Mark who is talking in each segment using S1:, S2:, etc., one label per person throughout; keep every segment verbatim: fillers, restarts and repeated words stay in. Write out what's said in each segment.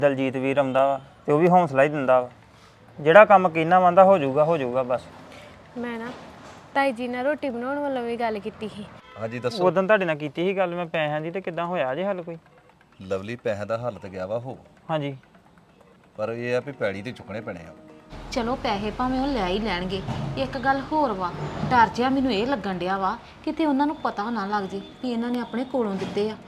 S1: ਦਲਜੀਤ ਵੀਰ ਆਉਂਦਾ ਵਾ ਤੇ ਉਹ ਵੀ ਹੌਸਲਾ ਹੀ ਦਿੰਦਾ ਵਾ। ਜਿਹੜਾ ਕੰਮ ਕਿੰਨਾ ਮੰਦਾ ਹੋ ਜਾਊਗਾ ਹੋ ਜਾਊਗਾ ਬਸ।
S2: ਮੈਂ ਨਾ ਤਾਈ ਜੀ ਨਾਲ ਰੋਟੀ ਬਣਾਉਣ ਵੱਲੋਂ ਵੀ ਗੱਲ ਕੀਤੀ ਸੀ।
S3: ਹਾਂਜੀ ਦੱਸੋ।
S1: ਉਦੋਂ ਤੁਹਾਡੇ ਨਾਲ ਕੀਤੀ ਸੀ ਗੱਲ ਮੈਂ ਪੈਸਿਆਂ ਦੀ, ਤੇ ਕਿੱਦਾਂ ਹੋਇਆ ਜੇ ਹੱਲ ਕੋਈ?
S3: ਲਵਲੀ ਪੈਸੇ ਦਾ ਹੱਲ ਤੇ ਗਿਆ ਵਾ ਹੋ,
S1: ਹਾਂਜੀ
S3: ਪਰ ਇਹ ਆ ਵੀ ਪੈੜੀ ਤੇ ਚੁੱਕਣੇ ਪੈਣੇ ਆ।
S4: ਚਲੋ ਪੈਸੇ ਭਾਵੇਂ ਉਹ ਲੈ ਹੀ ਲੈਣਗੇ। ਇੱਕ ਗੱਲ ਹੋਰ ਵਾ, ਡਰ ਜਿਹਾ ਮੈਨੂੰ ਇਹ ਲੱਗਣ ਡਿਆ ਵਾ ਕਿਤੇ ਉਹਨਾਂ ਨੂੰ ਪਤਾ ਨਾ ਲੱਗ ਜੇ ਵੀ ਇਹਨਾਂ ਨੇ ਆਪਣੇ ਕੋਲੋਂ ਦਿੱਤੇ ਆ।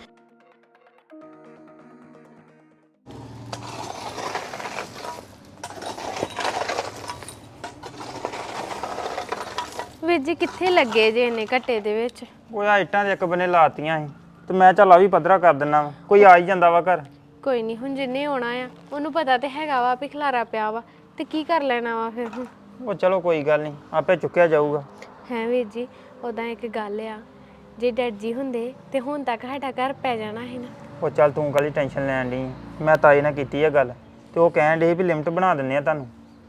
S2: ਵੀਰ ਜੀ ਕਿੱਥੇ ਲੱਗੇ ਜੇ ਇੰਨੇ ਘੱਟੇ ਦੇ ਵਿੱਚ?
S1: ਉਹ ਆ ਇੱਟਾਂ ਦੇ ਇੱਕ ਬੰਨੇ ਲਾਤੀਆਂ ਸੀ ਤੇ ਮੈਂ ਚੱਲ ਆ ਵੀ ਪੱਧਰਾ ਕਰ ਦਿੰਨਾ ਵਾ, ਕੋਈ ਆ ਹੀ ਜਾਂਦਾ ਵਾ ਘਰ।
S2: ਕੋਈ ਨਹੀਂ, ਹੁਣ ਜਿੰਨੇ ਆਉਣਾ ਆ ਉਹਨੂੰ ਪਤਾ ਤੇ ਹੈਗਾ ਵਾ ਵੀ ਖਲਾਰਾ ਪਿਆ ਵਾ ਤੇ ਕੀ ਕਰ ਲੈਣਾ ਵਾ ਫਿਰ ਹੁਣ।
S1: ਉਹ ਚਲੋ ਕੋਈ ਗੱਲ ਨਹੀਂ, ਆਪੇ ਚੁੱਕਿਆ ਜਾਊਗਾ।
S2: ਹੈ ਵੀਰ ਜੀ, ਉਦਾਂ ਇੱਕ ਗੱਲ ਆ, ਜੇ ਡੈਡ ਜੀ ਹੁੰਦੇ ਤੇ ਹੁਣ ਤੱਕ ਸਾਡਾ ਘਰ ਪੈ ਜਾਣਾ ਸੀ ਨਾ।
S1: ਉਹ ਚੱਲ ਤੂੰ ਕਾਹਲੀ ਟੈਨਸ਼ਨ ਲੈਣ ਡਈ ਆਂ। ਮੈਂ ਤਾਏ ਨਾਲ ਕੀਤੀ ਆ ਗੱਲ ਤੇ ਉਹ ਕਹਿਣ ਡੇ ਵੀ ਲਿਮਟ ਬਣਾ ਦਿੰਨੇ ਆ ਤੁਹਾਨੂੰ।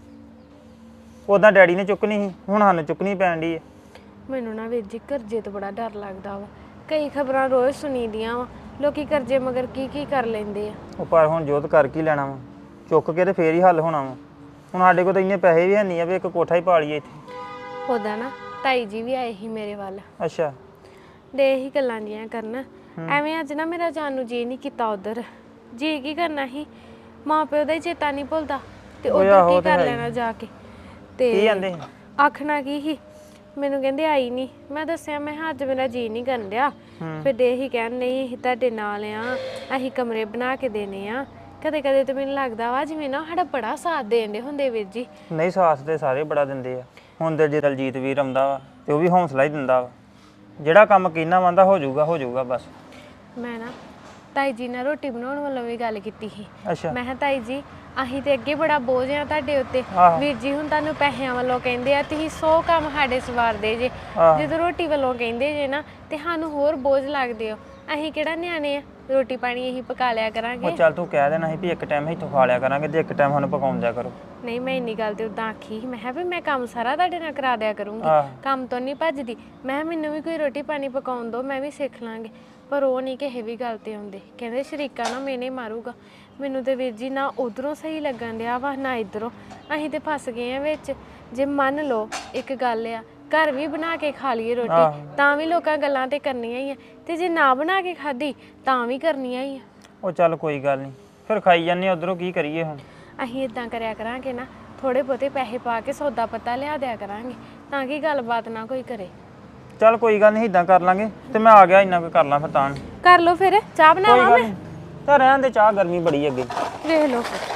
S1: ਉਦਾਂ ਡੈਡੀ ਨੇ ਚੁੱਕਣੀ ਸੀ, ਹੁਣ ਸਾਨੂੰ ਚੁੱਕਣੀ ਪੈਣ ਡਈ ਆ।
S2: ਮੈਨੂੰ ਨਾ ਵੀਰ ਜੀ ਕਰਜ਼ੇ ਤੋਂ ਬੜਾ ਡਰ ਲੱਗਦਾ ਵਾ। ਕਈ ਖਬਰਾਂ ਰੋਜ਼ ਸੁਣੀਦੀਆਂ ਵਾ, ਲੋਕੀ ਕਰਜ਼ੇ ਮਗਰ ਕੀ ਕੀ ਕਰ ਲੈਂਦੇ ਆ।
S1: ਉਹ ਪਰ ਹੁਣ ਜੋਤ ਕਰ ਕੀ ਲੈਣਾ ਵਾ, ਚੁੱਕ ਕੇ ਤੇ ਫੇਰ ਹੀ ਹੱਲ ਹੋਣਾ ਵਾ। ਹੁਣ ਸਾਡੇ ਕੋਲ ਤਾਂ ਇੰਨੇ ਪੈਸੇ ਵੀ ਹੈ ਨਹੀਂ ਆ ਵੀ ਇੱਕ ਕੋਠਾ ਹੀ ਪਾ ਲਈਏ ਇੱਥੇ।
S2: ਉਦਾਂ ਨਾ ਤਾਈ ਜੀ ਵੀ ਆਏ ਸੀ ਮੇਰੇ ਵੱਲ,
S1: ਅੱਛਾ
S2: ਦੇ ਹੀ ਗੱਲਾਂ ਜੀਆਂ ਕਰਨ। ਐਵੇਂ ਅੱਜ ਨਾ ਮੇਰਾ ਜਾਣ ਨੂੰ ਜੀ ਨਹੀਂ ਕੀਤਾ ਉਧਰ। ਜੀ ਕੀ ਕਰਨਾ ਸੀ, ਮਾਂ ਪਿਓ ਦਾ ਹੀ ਚੇਤਾ ਨਹੀਂ ਭੁੱਲਦਾ ਤੇ ਉਧਰ ਕੀ ਕਰ ਲੈਣਾ ਜਾ ਕੇ। ਤੇ
S1: ਕੀ ਕਹਿੰਦੇ?
S2: ਆਖਣਾ ਕੀ ਸੀ, ਮੈਨੂੰ ਕਹਿੰਦੇ ਆਈ ਨਹੀਂ। ਮੈਂ ਦੱਸਿਆ ਮੈਂ ਅੱਜ ਮੇਰਾ ਜੀ ਨਹੀਂ ਕਰਨ ਡਿਆ। ਫਿਰ ਦੇ ਹੀ ਕਹਿਣ ਨਹੀਂ ਅਸੀਂ ਤੁਹਾਡੇ ਨਾਲ ਆ, ਅਸੀਂ ਕਮਰੇ ਬਣਾ ਕੇ ਦੇਣੇ ਆ। ਕਦੇ ਕਦੇ ਤਾਂ ਮੈਨੂੰ ਲੱਗਦਾ ਵਾ ਜਿਵੇਂ ਨਾ ਸਾਡਾ ਬੜਾ ਸਾਥ ਦੇਣ ਦੇ ਹੁੰਦੇ ਵੀਰ ਜੀ।
S1: ਨਹੀਂ, ਸਾਥ ਤੇ ਸਾਰੇ ਬੜਾ ਦਿੰਦੇ ਆ। ਹੁਣ ਤੇ ਜੇ ਦਲਜੀਤ ਵੀਰ ਆਉਂਦਾ ਵਾ ਤੇ ਉਹ ਵੀ ਹੌਸਲਾ ਹੀ ਦਿੰਦਾ ਵਾ। ਜਿਹੜਾ ਕੰਮ ਕਿੰਨਾ ਮੰਦਾ ਹੋ ਜਾਊਗਾ ਹੋ ਜਾਊਗਾ ਬਸ।
S2: ਮੈਂ ਨਾ ਤਾਈ ਜੀ ਨਾਲ ਰੋਟੀ ਬਣਾਉਣ ਵੱਲੋਂ ਵੀ ਗੱਲ ਕੀਤੀ ਸੀ।
S1: ਅੱਛਾ
S2: ਮੈਂ ਕਿਹਾ ਤਾਈ ਜੀ ਅਸੀਂ ਤੇ ਅੱਗੇ ਬੜਾ ਬੋਝ ਆ ਤੁਹਾਡੇ ਉੱਤੇ।
S1: ਆਹੋ।
S2: ਵੀਰ ਜੀ ਹੁਣ ਤੁਹਾਨੂੰ ਪੈਸਿਆਂ ਵੱਲੋਂ ਕਹਿੰਦੇ ਆ, ਤੁਸੀਂ ਸੌ ਕੰਮ ਸਾਡੇ ਸਵਾਰਦੇ ਜੇ।
S1: ਆਹੋ।
S2: ਜਦੋਂ ਰੋਟੀ ਵੱਲੋਂ ਕਹਿੰਦੇ ਜੇ ਨਾ ਤੇ ਸਾਨੂੰ ਹੋਰ ਬੋਝ ਲੱਗਦੇ ਹੋ। ਅਸੀਂ ਕਿਹੜਾ ਨਿਆਣੇ ਆ, ਰੋਟੀ ਪਾਣੀ ਅਸੀਂ ਪਕਾ ਲਿਆ ਕਰਾਂਗੇ।
S1: ਉਹ ਚੱਲ ਤੂੰ ਕਹਿ ਦੇਣਾ ਸੀ ਵੀ ਇੱਕ ਟਾਈਮ ਇੱਥੋਂ ਖਾ ਲਿਆ ਕਰਾਂਗੇ ਤੇ ਇੱਕ ਟਾਈਮ ਸਾਨੂੰ ਪਕਾਉਣ ਦਿਆ ਕਰੋ।
S2: ਨਹੀਂ, ਮੈਂ ਇੰਨੀ ਗੱਲ ਤੇ ਉਦਾਂ ਆਖੀ ਸੀ। ਮੈਂ ਕਿਹਾ ਵੀ ਮੈਂ ਕੰਮ ਸਾਰਾ ਤੁਹਾਡੇ ਨਾਲ ਕਰਾ ਦਿਆ ਕਰੂੰਗੀ,
S1: ਆਹ।
S2: ਕੰਮ ਤੋਂ ਨਹੀਂ ਭੱਜਦੀ। ਮੈਂ ਕਿਹਾ ਮੈਨੂੰ ਵੀ ਕੋਈ ਰੋਟੀ ਪਾਣੀ ਪਕਾਉਣ ਦਿਓ, ਮੈਂ ਵੀ ਸਿੱਖ ਲਾਂਗੇ। ਪਰ ਉਹ ਨਹੀਂ ਕਿਸੇ ਵੀ ਗੱਲ ਤੇ ਆਉਂਦੇ। ਕਹਿੰਦੇ ਸ਼ਰੀਕਾ ਨਾ ਮੈਨੇ ਮਾਰੂਗਾ। ਮੈਨੂੰ ਤੇ ਵੀਰ ਜੀ ਨਾ ਉਧਰੋਂ ਸਹੀ ਲੱਗਣ ਡਿਆ ਵਾ ਨਾ ਇੱਧਰੋਂ। ਅਸੀਂ ਤੇ ਫਸ ਗਏ ਆ ਵਿੱਚ। ਜੇ ਮੰਨ ਲਓ ਇੱਕ ਗੱਲ ਆ, ਘਰ ਵੀ ਬਣਾ ਕੇ ਖਾ ਲਈਏ ਰੋਟੀ ਤਾਂ ਵੀ ਲੋਕਾਂ ਗੱਲਾਂ ਤੇ ਕਰਨੀਆਂ ਹੀ ਆ, ਤੇ ਜੇ ਨਾ ਬਣਾ ਕੇ ਖਾਧੀ ਤਾਂ ਵੀ ਕਰਨੀਆਂ ਹੀ ਆ।
S1: ਉਹ ਚੱਲ ਕੋਈ ਗੱਲ ਨਹੀਂ, ਫਿਰ ਖਾਈ ਜਾਂਦੇ ਉਧਰੋਂ, ਕੀ ਕਰੀਏ ਹੁਣ।
S2: ਅਸੀਂ ਇਦਾਂ ਕਰਿਆ ਕਰਾਂਗੇ ਨਾ, ਥੋੜੇ ਬਹੁਤੇ ਪੈਸੇ ਪਾ ਕੇ ਸੌਦਾ ਪੱਤਾ ਲਿਆ ਦਿਆ ਕਰਾਂਗੇ ਤਾਂ ਕਿ ਗੱਲਬਾਤ ਨਾ ਕੋਈ ਕਰੇ।
S1: ਚੱਲ ਕੋਈ ਗੱਲ ਨਹੀਂ, ਇਦਾਂ ਕਰ ਲਾਂਗੇ। ਤੇ ਮੈਂ ਆ ਗਿਆ, ਇੰਨਾ ਕੁ ਕਰ ਲਾਂ ਫਿਰ ਤਾਂ।
S2: ਕਰ ਲਓ ਫਿਰ, ਚਾਹ ਬਣਾਵਾਂ ਮੈਂ?
S1: ਤਾਂ ਰਹਿਣ ਦੇ, ਚਾਹ ਗਰਮੀ ਬੜੀ ਅੱਗੇ।
S2: ਵੇਖ ਲਓ ਫਿਰ।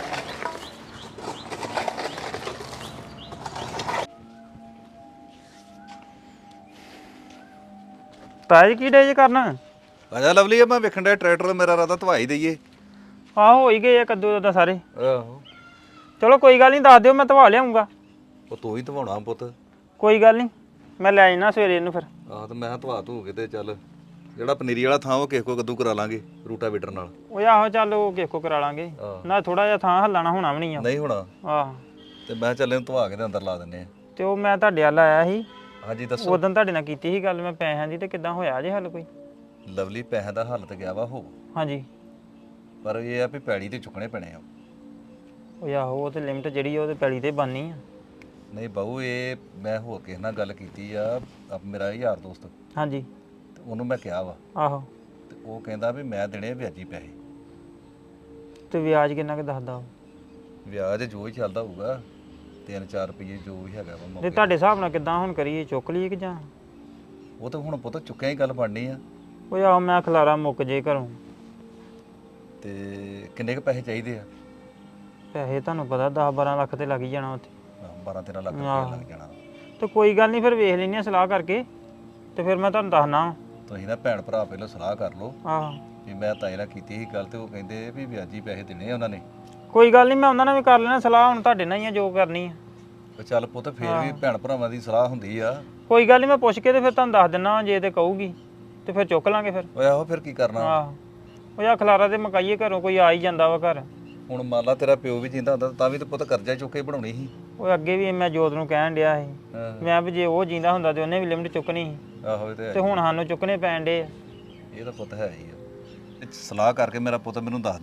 S1: ਤਾਜ ਕੀ ਡੇ ਜੇ ਕਰਨਾ?
S3: ਆਜਾ ਲਵਲੀ, ਮੈਂ ਵੇਖਣ ਡਿਆ ਟਰੈਕਟਰ ਮੇਰਾ ਰਾਦਾ ਧਵਾਈ ਦਈਏ।
S1: ਆਹੋ ਹੋ ਹੀ ਗਏ ਆ ਕੱਦੂ ਦਾ ਸਾਰੇ।
S3: ਆਹੋ
S1: ਚਲੋ ਕੋਈ ਗੱਲ ਨਹੀਂ, ਦੱਸ ਦਿਓ, ਮੈਂ ਧਵਾ ਲਿਆਉਂਗਾ।
S3: ਉਹ ਤੂੰ ਹੀ ਧਵਾਉਣਾ ਪੁੱਤ।
S1: ਕੋਈ ਗੱਲ ਨਹੀਂ, ਮੈਂ ਲੈ ਜਾਣਾ ਸਵੇਰੇ ਇਹਨੂੰ ਫਿਰ।
S3: ਆਹ ਤੇ ਮੈਂ ਧਵਾ ਧੂ ਕੇ ਤੇ ਚੱਲ ਜਿਹੜਾ ਪਨੀਰੀ ਵਾਲਾ ਥਾਂ ਉਹ ਕਿਸੇ ਕੋ ਕੱਦੂ ਕਰਾ ਲਾਂਗੇ ਰੂਟਾਵੀਟਰ ਨਾਲ।
S1: ਉਹ ਆਹੋ ਚੱਲ ਉਹ ਕਿਸੇ ਕੋ ਕਰਾ ਲਾਂਗੇ ਨਾ, ਥੋੜਾ ਜਿਹਾ ਥਾਂ ਹੱਲਾਣਾ ਹੋਣਾ ਵੀ ਨਹੀਂ ਆ।
S3: ਨਹੀਂ ਹੋਣਾ।
S1: ਆਹ
S3: ਤੇ ਮੈਂ ਚੱਲ ਇਹਨੂੰ ਧਵਾ ਕੇ ਤੇ ਅੰਦਰ ਲਾ ਦਿੰਨੇ ਆ।
S1: ਤੇ ਉਹ ਮੈਂ ਤੁਹਾਡੇ ਵੱਲ ਆਇਆ ਸੀ,
S3: ਹਾਂਜੀ ਦੱਸੋ।
S1: ਉਦੋਂ ਤੁਹਾਡੇ ਨਾਲ ਕੀਤੀ ਸੀ ਗੱਲ ਮੈਂ ਪੈਸਿਆਂ ਦੀ, ਤੇ ਕਿੱਦਾਂ ਹੋਇਆ ਜੇ ਹੱਲ ਕੋਈ?
S3: ਲਵਲੀ ਪੈਸੇ ਦਾ ਹੱਲ ਤੇ ਗਿਆ ਵਾ ਹੋ,
S1: ਹਾਂਜੀ
S3: ਪਰ ਇਹ ਆ ਵੀ ਪੈੜੀ ਤੇ ਚੁੱਕਣੇ ਪੈਣੇ ਆ।
S1: ਉਹ ਆਹੋ ਉਹ ਤੇ ਲਿਮਟ ਜਿਹੜੀ ਉਹ ਤੇ ਪੈਲੀ ਤੇ ਬਣਨੀ ਆ।
S3: ਨਹੀਂ ਬਾਊ, ਇਹ ਮੈਂ ਹੋਰ ਕਿਸੇ ਨਾਲ ਗੱਲ ਕੀਤੀ ਆ, ਆ ਮੇਰਾ ਯਾਰ ਦੋਸਤ,
S1: ਹਾਂਜੀ
S3: ਤੇ ਉਹਨੂੰ ਮੈਂ ਕਿਹਾ ਵਾ
S1: ਆਹੋ।
S3: ਤੇ ਉਹ ਕਹਿੰਦਾ ਵੀ ਮੈਂ ਦੇਣੇ ਵਿਆਜੀ ਪੈਸੇ।
S1: ਤੇ ਵਿਆਜ ਕਿੰਨਾ ਕੁ ਦੱਸਦਾ ਉਹ?
S3: ਵਿਆਜ ਜੋ ਹੀ ਚੱਲਦਾ ਹੋਊਗਾ, ਤਿੰਨ ਚਾਰ ਰੁਪਏ ਜੋ ਵੀ ਹੈਗਾ ਵਾ
S1: ਤੇ
S3: ਮੌਕੇ।
S1: ਤੁਹਾਡੇ ਹਿਸਾਬ ਨਾਲ ਕਿੱਦਾਂ ਹੁਣ ਕਰੀਏ, ਚੁੱਕ ਲਈਏ ਕਿ ਜਾਂ?
S3: ਉਹ ਤਾਂ ਹੁਣ ਪੁੱਤ ਚੁੱਕਿਆ ਹੀ ਗੱਲ ਬਣਨੀ ਆ।
S1: ਉਹ ਆਹੋ ਮੈਂ ਖਲਾਰਾ ਮੁੱਕ ਜੇ ਘਰੋਂ।
S3: ਤੇ ਕਿੰਨੇ ਕੁ ਪੈਸੇ ਚਾਹੀਦੇ ਆ?
S1: ਪੈਸੇ ਤੁਹਾਨੂੰ ਪਤਾ ਦਸ ਬਾਰਾਂ ਲੱਖ ਤੇ ਲੱਗ ਹੀ ਜਾਣਾ ਉੱਥੇ।
S3: ਬਾਰਾਂ ਤੇਰਾਂ ਲੱਖ ਰੁਪਏ
S1: ਆਹੋ।
S3: ਲੱਗ ਜਾਣਾ।
S1: ਤੇ ਕੋਈ ਗੱਲ ਨਹੀਂ, ਫਿਰ ਵੇਖ ਲੈਂਦੇ ਹਾਂ ਸਲਾਹ ਕਰਕੇ, ਤੇ ਫਿਰ ਮੈਂ ਤੁਹਾਨੂੰ ਦੱਸਣਾ।
S3: ਤੁਸੀਂ ਨਾ ਭੈਣ ਭਰਾ ਪਹਿਲਾਂ ਸਲਾਹ ਕਰ ਲਓ
S1: ਆਹੋ
S3: ਵੀ ਮੈਂ ਤਾਏ ਨਾਲ ਕੀਤੀ ਸੀ ਗੱਲ, ਤੇ ਉਹ ਕਹਿੰਦੇ ਵੀ ਵਿਆਜੀ ਪੈਸੇ ਦੇਣੇ ਆ ਉਹਨਾਂ ਨੇ।
S1: ਕੋਈ ਗੱਲ ਨਹੀਂ, ਮੈਂ ਉਹਨਾਂ ਨਾਲ ਵੀ ਕਰ ਲੈਣਾ ਸਲਾਹ। ਹੁਣ ਤੁਹਾਡੇ ਨਾਲ ਹੀ ਆ ਜੋ ਕਰਨੀ ਆ।
S3: ਤੇ ਚੱਲ ਪੁੱਤ, ਫੇਰ ਵੀ ਭੈਣ ਭਰਾਵਾਂ ਦੀ ਸਲਾਹ ਹੁੰਦੀ ਆ।
S1: ਕੋਈ ਗੱਲ ਨਹੀਂ, ਮੈਂ ਪੁੱਛ ਕੇ ਤੇ ਫਿਰ ਤੁਹਾਨੂੰ ਦੱਸ ਦਿੰਦਾ। ਜੇ ਤੇ ਕਹੂਗੀ ਤੇ ਫਿਰ ਚੁੱਕ ਲਾਂਗੇ ਫਿਰ।
S3: ਓਏ ਆਹੋ ਫਿਰ ਕੀ ਕਰਨਾ।
S1: ਆਹੋ ਉਹ ਆ ਖਲਾਰਾ ਤੇ ਮਕਾਈਏ ਘਰੋਂ, ਕੋਈ ਆ ਹੀ ਜਾਂਦਾ ਵਾ ਘਰ।
S3: ਹੁਣ ਮੰਨ ਲਾ ਤੇਰਾ ਪਿਓ ਵੀ ਜਿੰਦਾ ਹੁੰਦਾ ਤਾਂ ਵੀ ਤੇ ਪੁੱਤ ਕਰਜ਼ਾ ਚੁੱਕ ਕੇ ਬਣਾਉਣੀ ਸੀ।
S1: ਉਹ ਅੱਗੇ ਵੀ ਮੈਂ ਜੋਤ ਨੂੰ ਕਹਿਣ ਡਿਆ ਸੀ, ਮੈਂ ਵੀ ਜੇ ਉਹ ਜਿੰਦਾ ਹੁੰਦਾ ਤੇ ਉਹਨੇ ਵੀ ਲਿਮਟ ਚੁੱਕਣੀ ਸੀ,
S3: ਆਹੋ ਇਹ ਤੇ
S1: ਤੇ ਹੁਣ ਸਾਨੂੰ ਚੁੱਕਣੇ ਪੈਣ ਡੇ ਆ।
S3: ਇਹ ਤਾਂ ਪੁੱਤ ਹੈ ਹੀ ਆ। ਤੇ ਸਲਾਹ ਕਰਕੇ ਮੇਰਾ ਪੁੱਤ ਮੈਨੂੰ ਦੱਸ ਦੀ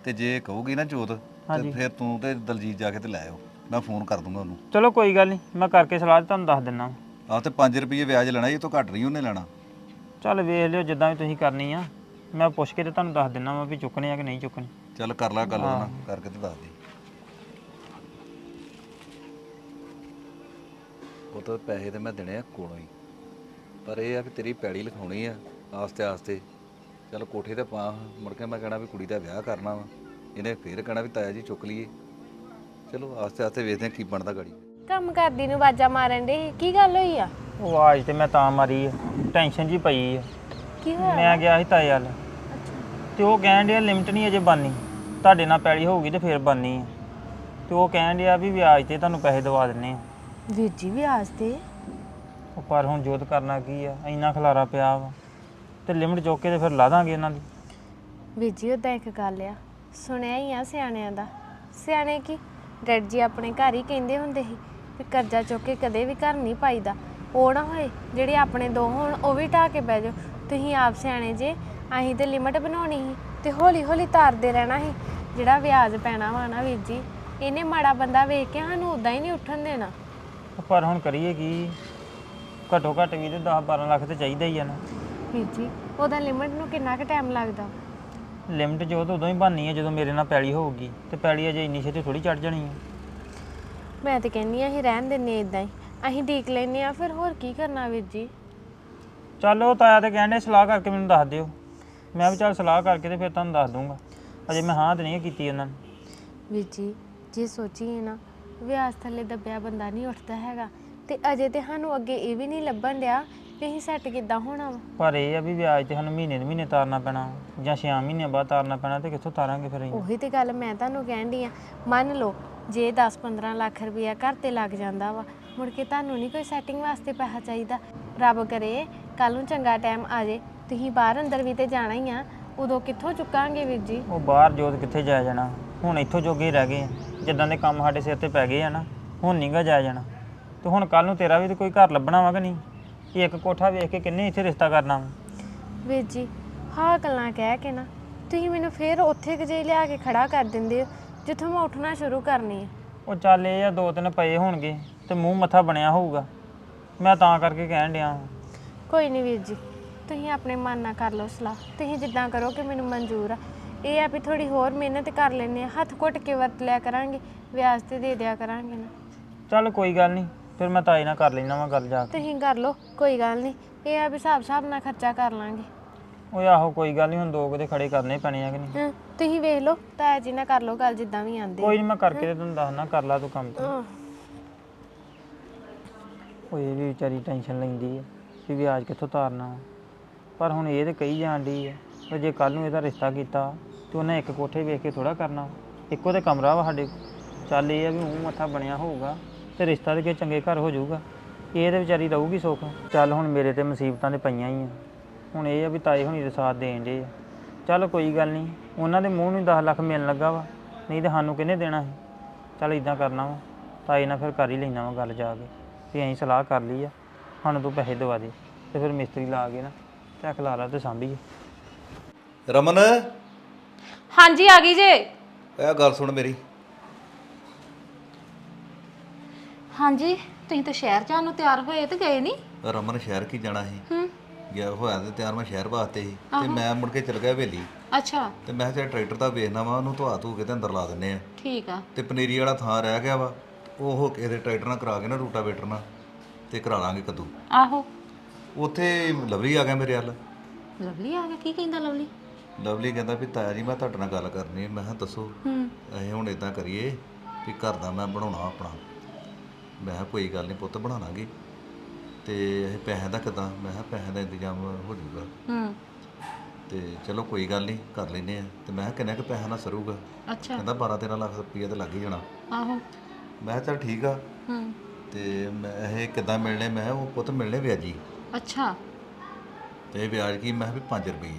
S3: ਤੇ ਜੇ ਕਹੂਗੀ ਨਾ ਜੋਤ ਤੇ
S1: ਹਾਂਜੀ।
S3: ਫਿਰ ਤੂੰ ਤੇ ਦਲਜੀਤ ਜਾ ਕੇ ਤੇ ਲੈ ਆਓ, ਮੈਂ ਫੋਨ ਕਰ ਦੂੰਗਾ ਉਹਨੂੰ।
S1: ਚਲੋ ਕੋਈ ਗੱਲ ਨਹੀਂ, ਮੈਂ ਕਰਕੇ ਸਲਾਹ ਤੇ ਤੁਹਾਨੂੰ ਦੱਸ ਦਿੰਦਾ।
S3: ਆਹ ਤੇ ਪੰਜ ਰੁਪਏ ਵਿਆਜ ਲੈਣਾ, ਇਹ ਤੋਂ ਘੱਟ ਨਹੀਂ ਉਹਨੇ ਲੈਣਾ।
S1: ਚੱਲ ਵੇਖ ਲਿਓ ਜਿੱਦਾਂ ਵੀ ਤੁਸੀਂ ਕਰਨੀ ਆ, ਮੈਂ ਪੁੱਛ ਕੇ ਤੇ ਤੁਹਾਨੂੰ ਦੱਸ ਦਿੰਦਾ ਵਾ ਵੀ ਚੁੱਕਣੇ ਆ ਕਿ ਨਹੀਂ ਚੁੱਕਣੇ।
S3: ਚੱਲ ਕਰ ਲੈ ਗੱਲ ਉਹਦੇ ਨਾਲ, ਕਰਕੇ ਤੇ ਦੱਸ ਦੇ। ਉਹ ਤਾਂ ਪੈਸੇ ਤੇ ਮੈਂ ਦੇਣੇ ਆ ਕੋਲੋਂ ਹੀ, ਪਰ ਇਹ ਆ ਵੀ ਤੇਰੀ ਪੈੜੀ ਲਿਖਾਉਣੀ ਆ ਆਸਤੇ ਆਸਤੇ। ਚੱਲ ਕੋਠੇ ਤੇ ਪਾ, ਮੁੜ ਕੇ ਮੈਂ ਕਹਿਣਾ ਵੀ ਕੁੜੀ ਦਾ ਵਿਆਹ ਕਰਨਾ ਵਾ, ਇਹਨੇ ਫੇਰ ਕਹਿਣਾ ਵੀ ਤਾਇਆ ਜੀ ਚੁੱਕ ਲਈਏ। ਚਲੋ ਆਸਤੇ ਆਸਤੇ ਵੇਖਦੇ ਆ ਕੀ ਬਣਦਾ ਗਾੜੀ।
S2: ਕੰਮ ਕਰਦੀ ਨੂੰ ਆਵਾਜ਼ਾਂ ਮਾਰਨ ਦੇ ਕੀ ਗੱਲ ਹੋਈ ਆ?
S1: ਉਹ ਆਵਾਜ਼ ਤੇ ਮੈਂ ਤਾਂ ਮਾਰੀ ਆ, ਟੈਨਸ਼ਨ ਜੀ ਪਈ ਆ।
S2: ਕੀ ਹੋਇਆ?
S1: ਮੈਂ ਗਿਆ ਸੀ ਤਾਏ ਵੱਲ ਤੇ ਉਹ ਕਹਿਣ ਡਿਆ ਲਿਮਟ ਨਹੀਂ ਅਜੇ ਬਣਨੀ, ਤੁਹਾਡੇ ਨਾਲ ਪੈਲੀ ਹੋਊਗੀ ਤੇ ਫੇਰ ਬਣਨੀ ਆ। ਤੇ ਉਹ ਕਹਿਣ ਡਿਆ ਵੀ ਵਿਆਜ ਤੇ ਤੁਹਾਨੂੰ ਪੈਸੇ ਦਵਾ ਦਿੰਨੇ ਆ।
S2: ਵੀਰ ਜੀ ਵਿਆਜ ਤੇ?
S1: ਉਹ ਪਰ ਹੁਣ ਜੋਤ ਕਰਨਾ ਕੀ ਆ, ਇੰਨਾ ਖਲਾਰਾ ਪਿਆ ਵਾ ਤੇ ਲਿਮਟ ਚੁੱਕ ਕੇ ਤੇ ਫਿਰ ਲਾ ਦਾਂਗੇ ਇਹਨਾਂ ਦੀ।
S2: ਵੀਰ ਜੀ ਉਦਾਂ ਇੱਕ ਗੱਲ ਆ, ਸੁਣਿਆ ਹੀ ਆ ਸਿਆਣਿਆਂ ਦਾ। ਸਿਆਣੇ ਕੀ, ਡੈਡ ਜੀ ਆਪਣੇ ਘਰ ਹੀ ਕਹਿੰਦੇ ਹੁੰਦੇ ਸੀ ਵੀ ਕਰਜ਼ਾ ਚੁੱਕ ਕੇ ਕਦੇ ਵੀ ਘਰ ਨਹੀਂ ਪਾਈਦਾ। ਉਹ ਨਾ ਹੋਏ ਜਿਹੜੇ ਆਪਣੇ ਦੋ ਹੋਣ ਉਹ ਵੀ ਢਾਹ ਕੇ ਬਹਿ ਜਾਓ। ਤੁਸੀਂ ਆਪ ਸਿਆਣੇ ਜੇ, ਅਸੀਂ ਤੇ ਲਿਮਟ ਬਣਾਉਣੀ ਸੀ ਤੇ ਹੌਲੀ ਹੌਲੀ ਤਾਰਦੇ ਰਹਿਣਾ ਸੀ। ਜਿਹੜਾ ਵਿਆਜ ਪੈਣਾ ਵਾ ਨਾ ਵੀਰ ਜੀ, ਇਹਨੇ ਮਾੜਾ ਬੰਦਾ ਵੇਖ ਕੇ ਸਾਨੂੰ ਉਦਾਂ ਹੀ ਨਹੀਂ ਉੱਠਣ ਦੇਣਾ।
S1: ਪਰ ਹੁਣ ਕਰੀਏ ਕੀ, ਘੱਟੋ ਘੱਟ ਵੀ ਤੇ ਦਸ ਬਾਰਾਂ ਲੱਖ ਤੇ ਚਾਹੀਦਾ ਹੀ ਆ ਨਾ।
S2: ਵੀਰ ਜੀ ਉਹਦਾ ਲਿਮਟ ਨੂੰ ਕਿੰਨਾ ਕੁ ਟਾਈਮ ਲੱਗਦਾ?
S1: ਲਿਮਟ ਜੋ ਤਾਂ ਉਦੋਂ ਹੀ ਬਣਨੀ ਹੈ ਜਦੋਂ ਮੇਰੇ ਨਾਲ ਪੈਲੀ ਹੋਊਗੀ, ਤੇ ਪੈਲੀ ਅਜੇ ਇੰਨੀ ਛੇਤੀ ਥੋੜੀ ਚੜ ਜਾਣੀ ਹੈ।
S2: ਮੈਂ ਤੇ ਕਹਿੰਨੀ ਆ ਅਸੀਂ ਰਹਿਣ ਦਿੰਨੇ ਇਦਾਂ ਹੀ, ਅਸੀਂ ਡੀਕ ਲੈਨੇ ਆ ਫਿਰ, ਹੋਰ ਕੀ ਕਰਨਾ ਵੀਰ ਜੀ।
S1: ਚੱਲ ਉਹ ਤਾਇਆ ਤੇ ਕਹਿੰਦੇ ਸਲਾਹ ਕਰਕੇ ਮੈਨੂੰ ਦੱਸ ਦਿਓ। ਮੈਂ ਵੀ ਚੱਲ ਸਲਾਹ ਕਰਕੇ ਤੇ ਫਿਰ ਤੁਹਾਨੂੰ ਦੱਸ ਦੂੰਗਾ। ਅਜੇ ਮੈਂ ਹਾਂ ਤੇ ਨਹੀਂ ਕੀਤੀ ਉਹਨਾਂ ਨੇ।
S2: ਵੀਰ ਜੀ ਜੇ ਸੋਚੀਏ ਨਾ, ਵਿਆਜ ਥੱਲੇ ਦੱਬਿਆ ਬੰਦਾ ਨਹੀਂ ਉੱਠਦਾ ਹੈਗਾ, ਤੇ ਅਜੇ ਤੇ ਸਾਨੂੰ ਅੱਗੇ ਇਹ ਵੀ ਨਹੀਂ ਲੱਭਣ ਡਿਆ ਵੀ ਅਸੀਂ ਸੈੱਟ ਕਿੱਦਾਂ ਹੋਣਾ ਵਾ।
S1: ਪਰ ਇਹ ਆ ਵੀ ਵਿਆਜ ਤੇ ਸਾਨੂੰ ਮਹੀਨੇ ਦੇ ਮਹੀਨੇ ਤਾਰਨਾ ਪੈਣਾ ਜਾਂ ਛੇ ਮਹੀਨਿਆਂ ਬਾਅਦ ਤਾਰਨਾ ਪੈਣਾ, ਤੇ ਕਿੱਥੋਂ ਤਾਰਾਂਗੇ ਫਿਰ ਅਸੀਂ?
S2: ਉਹੀ ਤੇ ਗੱਲ ਮੈਂ ਤੁਹਾਨੂੰ ਕਹਿਣ ਡਈ ਆ। ਮੰਨ ਲਓ ਜੇ ਦਸ ਪੰਦਰਾਂ ਲੱਖ ਰੁਪਇਆ ਘਰ ਤੇ ਲੱਗ ਜਾਂਦਾ ਵਾ, ਮੁੜ ਕੇ ਤੁਹਾਨੂੰ ਨਹੀਂ ਕੋਈ ਸੈਟਿੰਗ ਵਾਸਤੇ ਪੈਸਾ ਚਾਹੀਦਾ। ਰੱਬ ਕਰੇ ਕੱਲ ਨੂੰ ਚੰਗਾ ਟਾਈਮ ਆ ਜੇ, ਤੁਸੀਂ ਬਾਹਰ ਅੰਦਰ ਵੀ ਤੇ ਜਾਣਾ ਹੀ ਆ, ਉਦੋਂ ਕਿੱਥੋਂ ਚੁੱਕਾਂਗੇ ਵੀਰ ਜੀ?
S1: ਉਹ ਬਾਹਰ ਜੋਤ ਕਿੱਥੇ ਜਾਇਆ ਜਾਣਾ, ਹੁਣ ਇੱਥੋਂ ਜੋਗੇ ਹੀ ਰਹਿ ਗਏ ਆ। ਜਿੱਦਾਂ ਦੇ ਕੰਮ ਸਾਡੇ ਸਿਰ ਤੇ ਪੈ ਗਏ ਆ ਨਾ, ਹੁਣ ਨਹੀਂ ਗਾ ਜਾਇਆ ਜਾਣਾ। ਤੇ ਹੁਣ ਕੱਲ ਨੂੰ ਤੇਰਾ ਵੀ ਤੇ ਕੋਈ ਘਰ ਲੱਭਣਾ ਵਾ ਕਿ ਨਹੀਂ? ਇਹ ਇੱਕ ਕੋਠਾ ਵੇਖ ਕੇ ਕਿੰਨੇ ਇੱਥੇ ਰਿਸ਼ਤਾ ਕਰਨਾ ਵਾ?
S2: ਵੀਰ ਜੀ ਹਾਂ ਗੱਲਾਂ ਕਹਿ ਕੇ ਨਾ ਤੁਸੀਂ ਮੈਨੂੰ ਫੇਰ ਉੱਥੇ ਕੁ ਜੇ ਲਿਆ ਕੇ ਖੜਾ ਕਰ ਦਿੰਦੇ ਹੋ ਜਿੱਥੋਂ ਮੈਂ ਉੱਠਣਾ ਸ਼ੁਰੂ ਕਰਨੀ ਆ।
S1: ਉਹ ਚੱਲ ਇਹ ਆ ਦੋ ਤਿੰਨ ਪਏ ਹੋਣਗੇ ਤੇ ਮੂੰਹ ਮੱਥਾ ਬਣਿਆ ਹੋਊਗਾ, ਮੈਂ ਤਾਂ ਕਰਕੇ ਕਹਿਣ ਡਿਆ।
S2: ਕੋਈ ਨਹੀਂ ਵੀਰ ਜੀ, ਤੁਸੀਂ ਆਪਣੇ ਮਨ ਨਾਲ ਕਰ ਲਓ ਸਲਾਹ, ਤੁਸੀਂ ਜਿੱਦਾਂ ਕਰੋ ਕਿ ਮੈਨੂੰ ਮਨਜ਼ੂਰ ਆ। ਇਹ ਆ ਵੀ ਥੋੜੀ ਹੋਰ ਮਿਹਨਤ ਕਰ ਲੈਂਦੇ ਆ, ਹੱਥ ਘੁੱਟ ਕੇ ਵਰਤ ਲਿਆ ਕਰਾਂਗੇ, ਵਿਆਜ ਤੇ ਦੇ ਦਿਆ ਕਰਾਂਗੇ ਨਾ।
S1: ਚੱਲ ਕੋਈ ਗੱਲ ਨਹੀਂ, ਫਿਰ ਮੈਂ ਤਾਈ ਨਾਲ ਕਰ ਲੈਣਾ ਵਾ ਗੱਲ ਜਾ ਕੇ।
S2: ਤੁਸੀਂ ਕਰ ਲਓ ਕੋਈ ਗੱਲ ਨਹੀਂ, ਇਹ ਆ ਵੀ ਹਿਸਾਬ ਹਿਸਾਬ ਨਾਲ ਖਰਚਾ ਕਰ ਲਾਂਗੇ।
S1: ਉਹ ਆਹੋ ਕੋਈ ਗੱਲ ਨਹੀਂ, ਹੁਣ ਦੋ ਕੁ ਖੜੇ ਕਰਨੇ ਪੈਣੇ ਆ ਕਿ ਨਹੀਂ?
S2: ਹਾਂ ਤੁਸੀਂ ਵੇਖ ਲਓ, ਤਾਇਆ ਜੀ ਨਾਲ ਕਰ ਲਓ ਗੱਲ ਜਿੱਦਾਂ ਵੀ ਆਂਦੇ।
S1: ਕੋਈ ਨਹੀਂ ਮੈਂ ਕਰਕੇ ਤੇ ਤੈਨੂੰ ਦੱਸਣਾ, ਕਰ ਲਾ ਤੂੰ ਕੰਮ ਤੇ। ਉਹ ਇਹ ਵੀ ਵਿਚਾਰੀ ਟੈਨਸ਼ਨ ਲੈਂਦੀ ਹੈ ਵੀ ਵਿਆਜ ਕਿੱਥੋਂ ਤਾਰਨਾ ਵਾ। ਪਰ ਹੁਣ ਇਹ ਤੇ ਕਹੀ ਜਾਣ ਡਈ ਹੈ ਕਿ ਜੇ ਕੱਲ ਨੂੰ ਇਹਦਾ ਰਿਸ਼ਤਾ ਕੀਤਾ ਤੇ ਉਹਨੇ ਇੱਕ ਕੋਠੇ ਵੇਖ ਕੇ ਥੋੜਾ ਕਰਨਾ, ਇੱਕੋ ਤੇ ਕਮਰਾ ਵਾ ਸਾਡੇ। ਚੱਲ ਇਹ ਆ ਵੀ ਮੂੰਹ ਮੱਥਾ ਬਣਿਆ ਹੋਊਗਾ ਤੇ ਰਿਸ਼ਤਾ ਤੇ ਕਿਸੇ ਚੰਗੇ ਘਰ ਹੋ ਜਾਊਗਾ, ਇਹ ਤੇ ਵਿਚਾਰੀ ਰਹੂਗੀ ਸੁੱਖ। ਚੱਲ ਹੁਣ ਮੇਰੇ ਤੇ ਮੁਸੀਬਤਾਂ ਤੇ ਪਈਆਂ ਹੀ ਆ, ਹੁਣ ਇਹ ਆ ਵੀ ਤਾਏ ਹੁਣੀ ਦੇ ਸਾਥ ਦੇਣ ਡੇ ਆ। ਚੱਲ ਕੋਈ ਗੱਲ ਨਹੀਂ, ਉਹਨਾਂ ਦੇ ਮੂੰਹ ਨੂੰ ਦਸ ਲੱਖ ਮਿਲਣ ਲੱਗਾ ਵਾ, ਨਹੀਂ ਤੇ ਸਾਨੂੰ ਕਿਹਨੇ ਦੇਣਾ ਸੀ? ਚੱਲ ਇਦਾਂ ਕਰਨਾ ਵਾ, ਤਾਏ ਨਾਲ ਫਿਰ ਕਰ ਹੀ ਲੈਣਾ ਵਾ ਗੱਲ ਜਾ ਕੇ ਵੀ ਅਸੀਂ ਸਲਾਹ ਕਰ ਲਈ ਆ, ਸਾਨੂੰ ਤੂੰ ਪੈਸੇ ਦਵਾ ਦੇ, ਤੇ ਫਿਰ ਮਿਸਤਰੀ ਲਾ ਕੇ ਨਾ ਤੇ ਖਲਾਰਾ ਤੇ ਸਾਂਭੀਏ।
S3: ਰਮਨ
S4: ਹਾਂਜੀ ਆ ਗਈ ਜੇ।
S3: ਇਹ ਗੱਲ ਸੁਣ ਮੇਰੀ।
S4: ਹਾਂਜੀ ਤੁਸੀਂ ਤਾਂ ਸ਼ਹਿਰ ਜਾਣ ਨੂੰ ਤਿਆਰ ਹੋਏ ਤੇ ਗਏ ਨਹੀਂ?
S3: ਰਮਨ ਸ਼ਹਿਰ ਕੀ ਜਾਣਾ ਸੀ?
S4: ਹੂੰ
S3: ਗਿਆ ਹੋਇਆ ਤੇ ਤਿਆਰ ਮੈਂ ਸ਼ਹਿਰ ਵਾਸਤੇ ਸੀ, ਤੇ ਮੈਂ ਮੁੜ ਕੇ ਚਲ ਗਿਆ ਹਵੇਲੀ।
S4: ਅੱਛਾ
S3: ਤੇ ਮੈਂ ਕਿਹਾ ਟਰੈਕਟਰ ਤਾਂ ਵੇਖਣਾ ਵਾ, ਉਹਨੂੰ ਧਵਾ ਧੂ ਕੇ ਤੇ ਅੰਦਰ ਲਾ ਦਿੰਨੇ ਆ।
S4: ਠੀਕ ਆ।
S3: ਤੇ ਪਨੀਰੀ ਵਾਲਾ ਥਾਂ ਰਹਿ ਗਿਆ ਵਾ, ਉਹ ਹੋ ਕੇ ਇਹਦੇ ਟਰੈਕਟਰ ਨਾਲ ਕਰਾ ਕੇ ਨਾ ਰੂਟਾਵੇਟਰ ਨਾਲ ਤੇ ਕਰਾ ਲਾਂਗੇ ਕੱਦੂ।
S4: ਆਹੋ
S3: ਉੱਥੇ ਲਵਲੀ ਆ ਗਿਆ ਮੇਰੇ ਵੱਲ।
S4: ਲਵਲੀ ਆ ਗਿਆ? ਕੀ ਕਹਿੰਦਾ ਲਵਲੀ?
S3: ਲਵਲੀ ਕਹਿੰਦਾ ਵੀ ਤਾਇਆ ਜੀ ਮੈਂ ਤੁਹਾਡੇ ਨਾਲ ਗੱਲ ਕਰਨੀ ਹੈ। ਮੈਂ ਕਿਹਾ ਦੱਸੋ।
S4: ਹੂੰ
S3: ਅਸੀਂ ਹੁਣ ਇਦਾਂ ਕਰੀਏ ਵੀ ਘਰ ਦਾ ਮੈਂ ਬਣਾਉਣਾ ਆਪਣਾ। ਮੈਂ ਕਿਹਾ ਕੋਈ ਗੱਲ ਨਹੀਂ ਪੁੱਤ ਬਣਾ ਲਾਂਗੇ, ਤੇ ਇਹ ਪੈਸਿਆਂ ਦਾ ਕਿੱਦਾਂ? ਮੈਂ ਕਿਹਾ ਪੈਸਿਆਂ ਦਾ ਇੰਤਜ਼ਾਮ ਹੋ ਜਾਊਗਾ।
S4: ਹੂੰ
S3: ਤੇ ਚਲੋ ਕੋਈ ਗੱਲ ਨਹੀਂ ਕਰ ਲੈਂਦੇ ਆ। ਤੇ ਮੈਂ ਕਿਹਾ ਕਿੰਨਾ ਕੁ ਪੈਸਾ ਨਾਲ ਸਰੂਗਾ?
S4: ਅੱਛਾ
S3: ਕਹਿੰਦਾ ਬਾਰਾਂ ਤੇਰਾਂ ਲੱਖ ਰੁਪਈਆ ਤੇ ਲੱਗ ਹੀ ਜਾਣਾ।
S4: ਆਹੋ
S3: ਮੈਂ ਕਿਹਾ ਚੱਲ ਠੀਕ ਆ।
S4: ਹੂੰ
S3: ਤੇ ਮੈਂ ਇਹ ਕਿੱਦਾਂ ਮਿਲਣੇ? ਮੈਂ ਕਿਹਾ ਉਹ ਪੁੱਤ ਮਿਲਣੇ ਵਿਆਜੀ।
S4: ਅੱਛਾ
S3: ਤੇ ਵਿਆਜ ਕੀ? ਮੈਂ ਕਿਹਾ ਵੀ ਪੰਜ ਰੁਪਏ।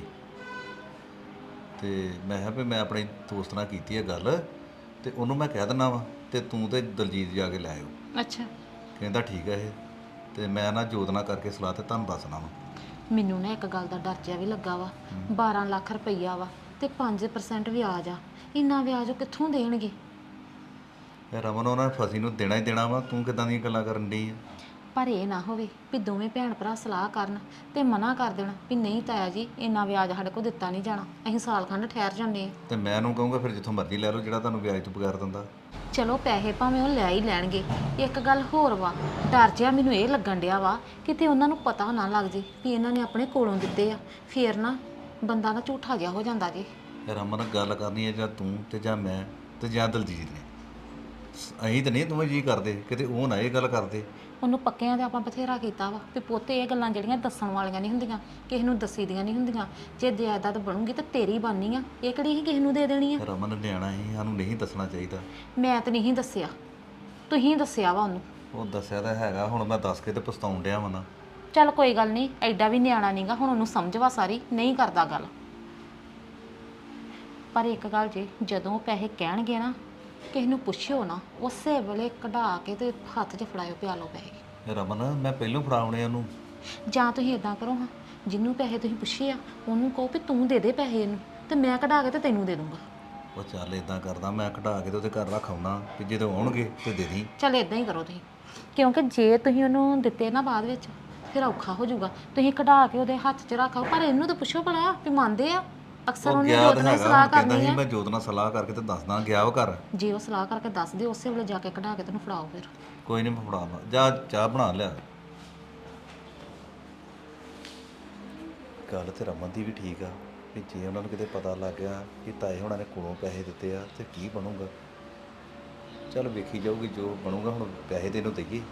S3: ਤੇ ਮੈਂ ਕਿਹਾ ਵੀ ਮੈਂ ਆਪਣੇ ਦੋਸਤ ਨਾਲ ਕੀਤੀ ਹੈ ਗੱਲ, ਤੇ ਉਹਨੂੰ ਮੈਂ ਕਹਿ ਦਿੰਦਾ ਵਾ, ਤੇ ਤੂੰ ਤੇ ਦਲਜੀਤ ਜਾ ਕੇ ਲੈ ਆਇਓ।
S4: ਅੱਛਾ
S3: ਕਹਿੰਦਾ ਠੀਕ ਹੈ ਇਹ। ਤੇ ਮੈਂ ਨਾ ਜੋਤ ਨਾਲ ਕਰਕੇ ਸਲਾਹ ਤੇ ਤੁਹਾਨੂੰ ਦੱਸਣਾ ਵਾ।
S4: ਮੈਨੂੰ ਨਾ ਇੱਕ ਗੱਲ ਦਾ ਡਰ ਜਿਹਾ ਵੀ ਲੱਗਾ ਵਾ। ਬਾਰਾਂ ਲੱਖ ਰੁਪਈਆ ਵਾ ਤੇ ਪੰਜ ਪਰਸੈਂਟ ਵਿਆਜ ਆ। ਇੰਨਾ ਵਿਆਜ ਉਹ ਕਿੱਥੋਂ ਦੇਣਗੇ?
S3: ਇਹ ਰਮਨ ਉਹਨਾਂ ਨੇ ਫਸੀ ਨੂੰ ਦੇਣਾ ਹੀ ਦੇਣਾ ਵਾ, ਤੂੰ ਕਿਦਾਂ ਦੀਆਂ ਗੱਲਾਂ ਕਰਨ ਡਈ ਆ?
S4: ਪਰ ਇਹ ਨਾ ਹੋਵੇ ਵੀ ਦੋਵੇਂ ਭੈਣ ਭਰਾ ਸਲਾਹ ਕਰਨ ਤੇ ਮਨਾ ਕਰ ਦੇਣ ਵੀ ਨਹੀਂ ਤਾਇਆ ਜੀ ਇੰਨਾ ਵਿਆਜ ਸਾਡੇ ਕੋਲ ਦਿੱਤਾ ਨਹੀਂ ਜਾਣਾ, ਅਸੀਂ ਸਾਲ ਖੰਡ ਠਹਿਰ ਜਾਂਦੇ ਆ।
S3: ਤੇ ਮੈਂ ਉਹਨੂੰ ਕਹੂੰਗਾ ਫਿਰ ਜਿੱਥੋਂ ਮਰਜ਼ੀ ਲੈ ਲਓ ਜਿਹੜਾ ਤੁਹਾਨੂੰ ਵਿਆਜ ਤੋਂ ਬਗੈਰ ਦਿੰਦਾ।
S4: ਚਲੋ ਪੈਸੇ ਭਾਵੇਂ ਉਹ ਲੈ ਹੀ ਲੈਣਗੇ, ਇੱਕ ਗੱਲ ਹੋਰ ਵਾ, ਡਰ ਜਿਹਾ ਮੈਨੂੰ ਇਹ ਲੱਗਣ ਡਿਆ ਵਾ ਕਿਤੇ ਉਹਨਾਂ ਨੂੰ ਪਤਾ ਨਾ ਲੱਗ ਜੇ ਵੀ ਇਹਨਾਂ ਨੇ ਆਪਣੇ ਕੋਲੋਂ ਦਿੱਤੇ ਆ, ਫੇਰ ਨਾ ਬੰਦਾ ਨਾ ਝੂਠਾ ਜਿਹਾ ਹੋ ਜਾਂਦਾ ਜੀ।
S3: ਰਮਨ ਗੱਲ ਕਰਨੀ ਹੈ ਜਾਂ ਤੂੰ ਤੇ ਜਾਂ ਮੈਂ ਤੇ ਜਾਂ ਦਲਜੀਤ ਨੇ, ਅਸੀਂ ਤਾਂ ਨਹੀਂ ਦੋਵੇਂ ਜੀ ਕਰਦੇ, ਕਿਤੇ ਉਹ ਨਾ ਇਹ ਗੱਲ ਕਰਦੇ।
S4: ਉਹਨੂੰ ਪੱਕਿਆਂ ਤੇ ਆਪਾਂ ਬਥੇਰਾ ਕੀਤਾ ਵਾ ਵੀ ਪੁੱਤ ਇਹ ਗੱਲਾਂ ਜਿਹੜੀਆਂ ਦੱਸਣ ਵਾਲੀਆਂ ਨਹੀਂ ਹੁੰਦੀਆਂ, ਕਿਸੇ ਨੂੰ ਦੱਸੀ ਦੀਆਂ ਨਹੀਂ ਹੁੰਦੀਆਂ। ਜੇ ਜਾਇਦਾਦ ਬਣੂਗੀ ਤਾਂ ਤੇਰੀ ਬਣਨੀ ਆ, ਇਹ ਕਿਹੜੀ ਹੀ ਕਿਸੇ ਨੂੰ ਦੇ ਦੇਣੀ ਆ।
S3: ਰਮਨ ਨਿਆਣਾ ਹੀ, ਸਾਨੂੰ ਨਹੀਂ ਦੱਸਣਾ ਚਾਹੀਦਾ।
S4: ਮੈਂ ਤਾਂ ਨਹੀਂ ਦੱਸਿਆ, ਤੁਸੀਂ ਦੱਸਿਆ ਵਾ ਉਹਨੂੰ।
S3: ਉਹ ਦੱਸਿਆ ਤਾਂ ਹੈਗਾ, ਹੁਣ ਮੈਂ ਦੱਸ ਕੇ ਤੇ ਪਛਤਾਉਣ ਡਿਆ ਵਾ ਨਾ।
S4: ਚੱਲ ਕੋਈ ਗੱਲ ਨਹੀਂ, ਐਡਾ ਵੀ ਨਿਆਣਾ ਨਹੀਂਗਾ, ਹੁਣ ਉਹਨੂੰ ਸਮਝ ਵਾ ਸਾਰੀ, ਨਹੀਂ ਕਰਦਾ ਗੱਲ। ਪਰ ਇੱਕ ਗੱਲ ਜੇ, ਜਦੋਂ ਪੈਸੇ ਕਹਿਣਗੇ ਨਾ ਕਿਸੇ ਨੂੰ ਪੁੱਛਿਓ ਨਾ, ਉਸੇ ਵੇਲੇ ਕਢਾ ਕੇ ਤੇ ਹੱਥ 'ਚ ਫੜਾਇਓ, ਪਿਆ ਲਓ ਪੈਸੇ।
S3: ਰਮਨ ਮੈਂ ਪਹਿਲੋਂ ਫੜਾਉਣੇ ਉਹਨੂੰ।
S4: ਜਾਂ ਤੁਸੀਂ ਇਦਾਂ ਕਰੋ ਹਾਂ, ਜਿਹਨੂੰ ਪੈਸੇ ਤੁਸੀਂ ਪੁੱਛੇ ਆ ਉਹਨੂੰ ਕਹੋ ਵੀ ਤੂੰ ਦੇ ਦੇ ਪੈਸੇ ਇਹਨੂੰ, ਤੇ ਮੈਂ ਕਢਾ ਕੇ ਤੇ ਤੈਨੂੰ ਦੇ ਦੂੰਗਾ।
S3: ਉਹ ਚੱਲ ਇਦਾਂ ਕਰਦਾ, ਮੈਂ ਕਢਾ ਕੇ ਤੇ ਉਹਦੇ ਘਰ ਰੱਖ ਆਉਣਾ, ਕਿ ਜਦੋਂ ਆਉਣਗੇ ਤੇ ਦੇ ਦੀ।
S4: ਚੱਲ ਇਦਾਂ ਹੀ ਕਰੋ ਤੁਸੀਂ, ਕਿਉਂਕਿ ਜੇ ਤੁਸੀਂ ਉਹਨੂੰ ਦਿੱਤੇ ਨਾ ਬਾਅਦ ਵਿੱਚ ਫਿਰ ਔਖਾ ਹੋ ਜਾਊਗਾ। ਤੁਸੀਂ ਕਢਾ ਕੇ ਉਹਦੇ ਹੱਥ 'ਚ ਰੱਖੋ, ਪਰ ਇਹਨੂੰ ਤਾਂ ਪੁੱਛੋ ਭਲਾ ਵੀ ਮੰਨਦੇ ਆ। ਅਕਸਰ
S3: ਉਹ
S4: ਉਹਨੇ
S3: ਗਿਆ
S4: ਜੋਤ
S3: ਤਾਂ
S4: ਨਾਲ
S3: ਹੈਗਾ,
S4: ਸਲਾਹ
S3: ਹੁਣ ਕਹਿੰਦਾ
S4: ਕਰਨੀ
S3: ਸੀ
S4: ਆ।
S3: ਮੈਂ ਜੋਤ ਨਾਲ ਸਲਾਹ ਕਰਕੇ ਤੇ ਦੱਸਦਾ, ਗਿਆ ਉਹ ਘਰ।
S4: ਜੇ ਉਹ ਸਲਾਹ ਕਰਕੇ ਦੱਸ ਦੇ, ਉਸੇ ਵੇਲੇ ਜਾ ਕੇ ਕਢਾ ਕੇ ਤੈਨੂੰ ਫੜਾਓ ਫਿਰ।
S3: ਕੋਈ ਨਹੀਂ ਮੈਂ ਫੜਾਉਣਾ, ਜਾ ਚਾਹ ਬਣਾ ਲਿਆ। ਗੱਲ ਤੇ ਰਮਨ ਦੀ ਵੀ ਠੀਕ ਆ ਵੀ ਜੇ ਉਹਨਾਂ ਨੂੰ ਕਿਤੇ ਪਤਾ ਲੱਗ ਗਿਆ ਕਿ ਤਾਏ ਹੋਣਾ ਨੇ ਕੋਲੋਂ ਪੈਸੇ ਦਿੱਤੇ ਆ ਤੇ ਕੀ ਬਣੂਗਾ। ਚੱਲ ਵੇਖੀ ਜਾਊਗੀ ਜੋ ਬਣੂਗਾ, ਹੁਣ ਪੈਸੇ ਤੇ ਇਹਨੂੰ ਦੇਈਏ।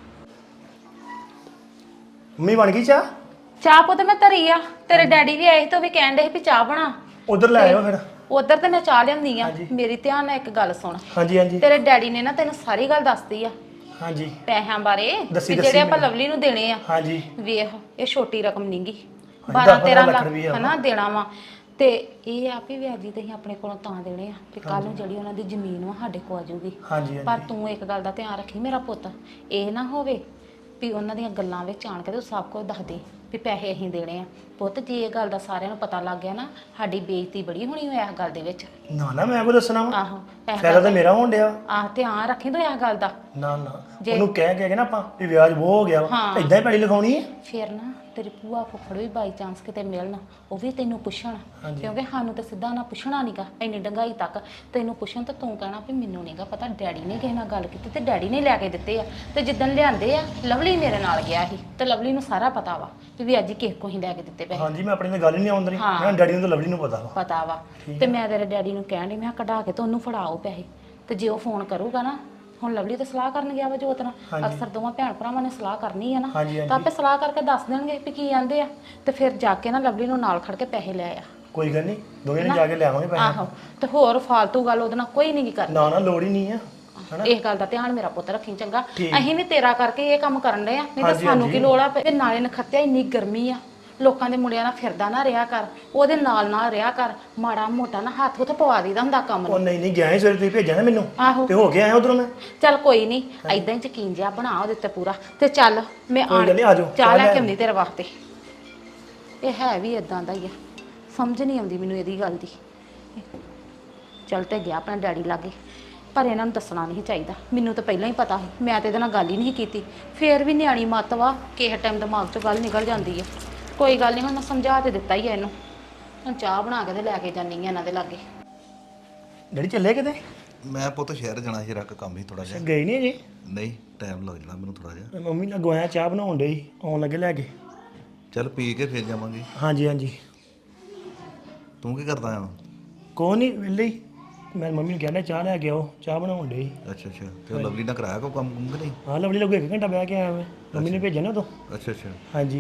S5: ਮੰਮੀ ਬਣ ਗਈ ਚਾਹ?
S4: ਚਾਹ ਪੁੱਤ ਮੈਂ ਧਰੀ ਆ, ਤੇਰੇ ਡੈਡੀ ਵੀ ਆਏ ਸੀ ਤੇ ਉਹ ਵੀ ਕਹਿਣ ਦੇ ਸੀ ਵੀ ਚਾਹ ਬਣਾ।
S5: ਉਧਰ ਲੈ ਆਇਓ ਫਿਰ।
S4: ਉਧਰ ਤੇ ਮੈਂ ਚਾਹ ਲਿਆਉਂਦੀ ਆ। ਮੇਰੀ ਧਿਆਨ ਨਾਲ ਇੱਕ ਗੱਲ ਸੁਣ,
S5: ਹਾਂਜੀ ਹਾਂਜੀ
S4: ਤੇਰੇ ਡੈਡੀ ਨੇ ਨਾ ਤੈਨੂੰ ਸਾਰੀ ਗੱਲ ਦੱਸਤੀ ਆ
S5: ਹਾਂਜੀ
S4: ਪੈਸਿਆਂ ਬਾਰੇ,
S5: ਦੱਸੀ-
S4: ਵੀ ਜਿਹੜੇ ਆਪਾਂ ਲਵਲੀ ਨੂੰ ਦੇਣੇ ਆ।
S5: ਹਾਂਜੀ
S4: ਵੇਖ ਇਹ ਛੋਟੀ ਰਕਮ ਨਹੀਂਗੀ,
S5: ਹਾਂਜੀ,
S4: ਬਾਰਾਂ
S5: ਦਸ
S4: ਤੇਰਾਂ
S5: ਲੱਖ
S4: ਲੱਖ
S5: ਰੁਪਈਆ
S4: ਹਨਾ ਦੇਣਾ ਵਾ। ਤੇ ਇਹ ਆ ਵੀ ਵਿਆਜੀ ਤੇ ਅਸੀਂ ਆਪਣੇ ਕੋਲੋਂ ਤਾਂ ਦੇਣੇ ਆ ਕਿ ਕੱਲ ਨੂੰ ਜਿਹੜੀ ਉਹਨਾਂ ਦੀ ਜ਼ਮੀਨ ਵਾ ਸਾਡੇ ਕੋਲ ਆ ਜਾਊਗੀ।
S5: ਹਾਂਜੀ
S4: ਪਰ ਤੂੰ ਇੱਕ ਗੱਲ ਦਾ ਧਿਆਨ ਰੱਖੀ ਮੇਰਾ ਪੁੱਤ, ਇਹ ਨਾ ਹੋਵੇ ਵੀ ਉਹਨਾਂ ਦੀਆਂ ਗੱਲਾਂ ਵਿੱਚ ਆਣ ਕੇ ਤੇ ਸਭ ਕੁਝ ਦੱਸ ਦੇ ਵੀ ਪੈਸੇ ਅਸੀਂ ਦੇਣੇ ਆ। ਪੁੱਤ ਜੇ ਇਹ ਗੱਲ ਦਾ ਸਾਰਿਆਂ ਨੂੰ ਪਤਾ ਲੱਗ ਗਿਆ ਨਾ, ਸਾਡੀ ਬੇਇੱਜ਼ਤੀ ਬੜੀ ਹੋਣੀ ਹੋਇਆ ਇਸ ਗੱਲ ਦੇ ਵਿੱਚ।
S5: ਨਾ ਨਾ ਮੈਂ ਕੋ ਦੱਸਣਾ ਵਾ,
S4: ਆਹੋ ਇਸ
S5: ਫਾਇਦਾ ਤਾਂ ਮੇਰਾ ਹੋਣ ਡਿਆ।
S4: ਆਹ ਧਿਆਨ ਰੱਖੀ ਤੂੰ ਇਸ ਗੱਲ ਦਾ।
S5: ਨਾ ਨਾ ਉਹਨੂੰ ਕਹਿ ਕਹਿ ਕੇ ਨਾ ਆਪਾਂ ਵੀ ਵਿਆਜ ਬਹੁਤ ਹੋ ਗਿਆ ਵਾ, ਇਦਾਂ ਹੀ ਪੈਲੀ ਲਿਖਾਉਣੀ ਹੈ।
S4: ਫਿਰ ਨਾ ਤੇਰੀ ਭੂਆ ਫੁੱਫੜ ਵੀ ਬਾਈ ਚਾਂਸ ਕਿਤੇ ਮਿਲਣ, ਉਹ ਵੀ ਤੈਨੂੰ ਪੁੱਛਣ, ਕਿਉਂਕਿ ਸਾਨੂੰ ਤਾਂ ਸਿੱਧਾ ਨਾ ਪੁੱਛਣਾ ਨਹੀਂਗਾ ਇੰਨੀ ਡੰਗਾਈ ਤੱਕ। ਤੈਨੂੰ ਪੁੱਛਣ ਤਾਂ ਤੂੰ ਕਹਿਣਾ ਵੀ ਮੈਨੂੰ ਨਹੀਂਗਾ ਪਤਾ, ਡੈਡੀ ਨੇ ਕਿਸੇ ਨਾਲ ਗੱਲ ਕੀਤੀ ਤੇ ਡੈਡੀ ਨੇ ਲੈ ਕੇ ਦਿੱਤੇ ਆ। ਤੇ ਜਿੱਦਣ ਲਿਆਂਦੇ ਆ ਲਵਲੀ ਮੇਰੇ ਨਾਲ ਗਿਆ ਸੀ ਤੇ ਲਵਲੀ ਨੂੰ ਸਾਰਾ ਪਤਾ ਵਾ ਵੀ ਅੱਜ ਕਿਸੇ ਕੋ ਹੀ ਲੈ ਕੇ ਦਿੱਤੇ ਪੈਸੇ।
S5: ਹਾਂਜੀ ਮੈਂ ਆਪਣੀ ਨਾਲ ਗੱਲ ਹੀ ਨਹੀਂ ਆਉਂਦੀ, ਮੈਂ ਡੈਡੀ ਨੂੰ ਤਾਂ ਲਵਲੀ ਨੂੰ ਪਤਾ ਵਾ।
S4: ਪਤਾ ਵਾ। ਤੇ ਮੈਂ ਤੇਰੇ ਡੈਡੀ ਨੂੰ ਕਹਿਣ ਡਈ ਮੈਂ ਕਿਹਾ ਕਢਾ ਕੇ ਤੇ ਉਹਨੂੰ ਫੜਾਓ ਪੈਸੇ, ਤੇ ਜੇ ਉਹ ਫੋਨ ਕਰੂਗਾ ਨਾ, ਹੁਣ ਲਵਲੀ ਤਾਂ ਸਲਾਹ ਕਰਨ ਗਿਆ ਵਾ ਜੋਤ ਨਾਲ, ਅਕਸਰ ਦੋਵਾਂ ਭੈਣ ਭਰਾਵਾਂ ਨੇ ਸਲਾਹ ਕਰਨੀ ਆ ਨਾ, ਤਾਂ ਆਪੇ ਸਲਾਹ ਕਰਕੇ ਦੱਸ ਦੇਣਗੇ ਵੀ ਕੀ ਆਂਦੇ ਆ। ਤੇ ਫਿਰ ਜਾ ਕੇ ਨਾ ਲਵਲੀ ਨੂੰ ਨਾਲ ਖੜ ਕੇ ਪੈਸੇ ਲੈ ਆ।
S5: ਕੋਈ ਗੱਲ ਨਹੀਂ, ਦੋਵੇਂ ਨੇ ਜਾ ਕੇ ਲਿਆਵਾਂਗੇ ਪੈਸੇ।
S4: ਆਹੋ ਤੇ ਹੋਰ ਫਾਲਤੂ ਗੱਲ ਉਹਦੇ ਨਾਲ ਕੋਈ ਨਹੀਂ ਕਰਨੀ।
S5: ਨਾ ਨਾ ਲੋੜ ਹੀ ਨਹੀਂ ਆ।
S4: ਇਸ ਗੱਲ ਦਾ ਧਿਆਨ ਮੇਰਾ ਪੁੱਤ ਰੱਖੀ ਚੰਗਾ। ਅਸੀਂ ਵੀ ਤੇਰਾ ਕਰਕੇ ਇਹ ਕੰਮ ਕਰਨ ਡਏ ਆ, ਨਹੀਂ ਤਾਂ ਸਾਨੂੰ ਕੀ ਲੋੜ ਆ। ਤੇ ਨਾਲੇ ਨਖੱਤਿਆ ਇੰਨੀ ਗਰਮੀ ਆ, ਲੋਕਾਂ ਦੇ ਮੁੰਡਿਆਂ ਨਾਲ ਫਿਰਦਾ ਨਾ ਰਿਹਾ ਕਰ, ਉਹਦੇ ਨਾਲ ਨਾਲ ਰਿਹਾ ਕਰ। ਮਾੜਾ ਮੋਟਾ ਨਾ ਹੱਥ ਉੱਥੇ ਪਵਾ ਦੀਦਾ ਹੁੰਦਾ ਕੰਮ
S5: ਉਹ
S4: ਨੂੰ।
S5: ਨਹੀਂ ਨਹੀਂ ਗਿਆ ਸੀ ਸਵੇਰੇ, ਤੁਸੀਂ ਭੇਜਿਆ ਨਾ ਮੈਨੂੰ
S4: ਆਹੋ
S5: ਤੇ ਹੋ ਗਿਆ ਆਇਆ ਉਧਰੋਂ ਮੈਂ।
S4: ਚੱਲ ਕੋਈ ਨਹੀਂ, ਐਦਾਂ ਹੀ ਯਕੀਨ ਜਿਹਾ ਬਣਾ ਉਹਦੇ ਤੇ ਪੂਰਾ। ਤੇ ਚੱਲ ਮੈਂ
S5: ਕੋਈ ਗੱਲ ਨੀ, ਆ ਜਾਓ,
S4: ਚਾਹ
S5: ਚਾਹ
S4: ਲੈ
S5: ਲੈ
S4: ਕੇ ਆਉਂਦੀ ਤੇਰੇ ਵਾਸਤੇ। ਇਹ ਹੈ ਵੀ ਇਦਾਂ ਦਾ ਹੀ ਆ, ਸਮਝ ਨਹੀਂ ਆਉਂਦੀ ਮੈਨੂੰ ਇਹਦੀ ਗੱਲ ਦੀ। ਚੱਲ ਤੇ ਗਿਆ ਆਪਣਾ ਡੈਡੀ ਲਾਗੇ, ਪਰ ਇਹਨਾਂ ਨੂੰ ਦੱਸਣਾ ਨਹੀਂ ਚਾਹੀਦਾ। ਮੈਨੂੰ ਤਾਂ ਪਹਿਲਾਂ ਹੀ ਪਤਾ ਸੀ, ਮੈਂ ਤੇ ਇਹਦੇ ਨਾਲ ਗੱਲ ਹੀ ਨਹੀਂ ਕੀਤੀ। ਫੇਰ ਵੀ ਨਿਆਣੀ ਮੱਤ ਵਾ, ਕਿਸੇ ਟਾਈਮ ਦਿਮਾਗ 'ਚੋਂ ਗੱਲ ਨਿਕਲ ਜਾਂਦੀ ਆ। ਕੋਈ ਗੱਲ ਨਹੀਂ, ਹੁਣ ਮੈਂ ਸਮਝਾ ਤੇ ਦਿੱਤਾ ਹੀ ਆ ਇਹਨੂੰ। ਹੁਣ ਚਾਹ ਬਣਾ ਕੇ ਤੇ ਲੈ ਕੇ ਜਾਨੀ ਆ ਇਹਨਾਂ ਦੇ ਲਾਗੇ।
S5: ਡੈਡੀ ਚੱਲੇ ਕਿਤੇ?
S3: ਮੈਂ ਪੁੱਤ ਸ਼ਹਿਰ ਜਾਣਾ ਸੀ, ਰੱਖ ਕੰਮ ਹੀ ਥੋੜਾ ਜਿਹਾ।
S5: ਗਏ ਨਹੀਂ ਅਜੇ?
S3: ਨਹੀਂ ਟਾਈਮ ਲੱਗ ਜਾਣਾ ਮੈਨੂੰ ਥੋੜਾ ਜਿਹਾ।
S5: ਮੰਮੀ ਨਾਲ ਗਵਾਇਆ ਚਾਹ ਬਣਾਉਣ ਡਈ, ਆਉਣ ਲੱਗੇ ਲੈ ਕੇ।
S3: ਚੱਲ ਪੀ ਕੇ ਫਿਰ ਜਾਵਾਂਗੇ।
S5: ਹਾਂਜੀ ਹਾਂਜੀ
S3: ਤੂੰ ਕੀ ਕਰਦਾ ਆ?
S5: ਕੋਈ ਨਹੀਂ ਵਿਹਲੇ ਹੀ। ਮੈਂ ਮੰਮੀ ਨੂੰ ਕਹਿੰਦਾ ਚਾਹ ਲੈ ਕੇ ਆਓ, ਚਾਹ ਬਣਾਉਣ ਡਈ।
S3: ਅੱਛਾ ਅੱਛਾ, ਤੇ ਉਹ ਲਵਲੀ ਨਾਲ ਕਰਾਇਆ ਕੋ ਕੰਮ ਕੁੰਮ ਕਿ ਨਹੀਂ?
S5: ਹਾਂ ਲਵਲੀ ਲੋਕ ਇੱਕ ਘੰਟਾ ਬਹਿ ਕੇ ਆਇਆ ਮੈਂ, ਮੰਮੀ ਨੇ ਭੇਜਿਆ ਨਾ ਉਦੋਂ।
S3: ਅੱਛਾ ਅੱਛਾ,
S5: ਹਾਂਜੀ